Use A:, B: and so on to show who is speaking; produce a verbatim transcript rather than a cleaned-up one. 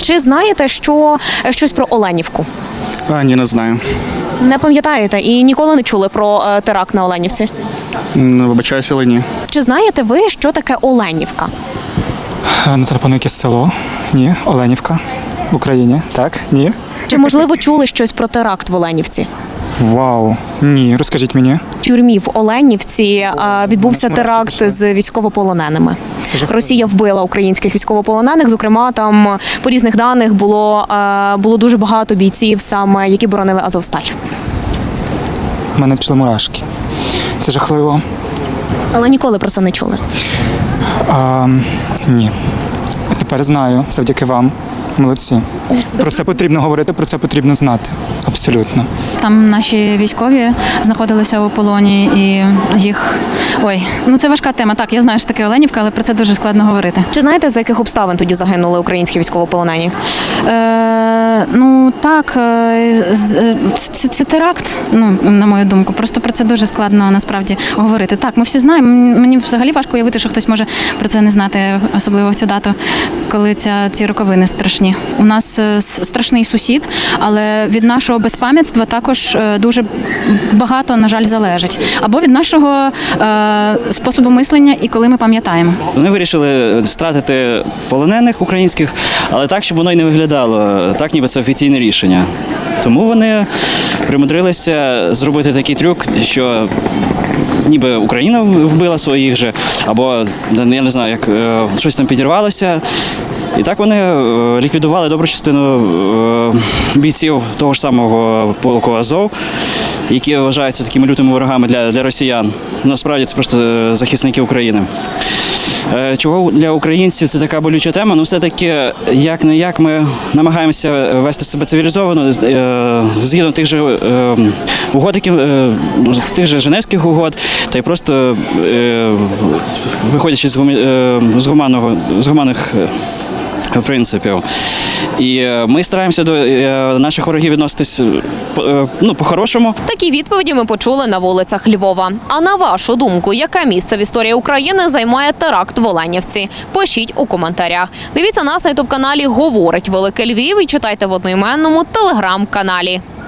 A: Чи знаєте, що щось про Оленівку?
B: А, ні, не знаю.
A: Не пам'ятаєте і ніколи не чули про е, теракт на Оленівці?
B: М, Вибачаюся, але ні.
A: Чи знаєте ви, що таке Оленівка?
C: Ну, це, напевно, якесь село. Ні, Оленівка. В Україні. Так? Ні.
A: Чи, можливо, чули щось про теракт в Оленівці?
C: Вау. Ні, розкажіть мені.
A: В тюрмі в Оленівці е, відбувся
C: Нас мурашки
A: теракт
C: пішли.
A: з військовополоненими.
C: Це жахливо.
A: Росія вбила українських військовополонених. Зокрема, там по різних даних було, е, було дуже багато бійців, саме які боронили Азовсталь.
C: У мене пішли мурашки. Це жахливо.
A: Але ніколи про це не чули.
C: А, ні. А тепер знаю, завдяки вам. Молодці. Про це потрібно говорити, про це потрібно знати. Абсолютно.
D: Там наші військові знаходилися у полоні і їх. Ой, ну це важка тема. Так, я знаю, що таке Оленівка, але про це дуже складно говорити.
A: Чи знаєте, за яких обставин тоді загинули українські військовополонені?
D: Е, ну так, е, з- е, це, це теракт, ну, на мою думку. Просто про це дуже складно насправді говорити. Так, ми всі знаємо. М- Мені взагалі важко уявити, що хтось може про це не знати, особливо в цю дату, коли ця, ці роковини страшні. У нас е, с- страшний сусід, але від нашого безпам'ятства також е, дуже багато, на жаль, залежить. Або від нашого е, способу мислення і коли ми пам'ятаємо.
E: Вони вирішили стратити полонених українських, але так, щоб воно й не виглядало, так ніби це офіційне рішення. Тому вони примудрилися зробити такий трюк, що ніби Україна вбила своїх же, або я не знаю, як е, щось там підірвалося. І так вони е, ліквідували добру частину е, бійців того ж самого полку Азов, які вважаються такими лютими ворогами для, для росіян. Насправді це просто захисники України. Е, Чого для українців це така болюча тема? Ну, все-таки, як не як, ми намагаємося вести себе цивілізовано, е, згідно тих же е, угод, які, е, з тих же Женевських угод, та й просто е, виходячи з, гумі- е, з, гуманного, з гуманних е, принципів. І е, ми стараємося до е, наших ворогів відноситись е, ну, по-хорошому.
A: Такі відповіді ми почули на вулицях Львова. А на вашу думку, яке місце в історії України займає теракт в Оленівці? Пишіть у коментарях. Дивіться нас на ютуб-каналі «Говорить Велике Львів» і читайте в одноіменному телеграм-каналі.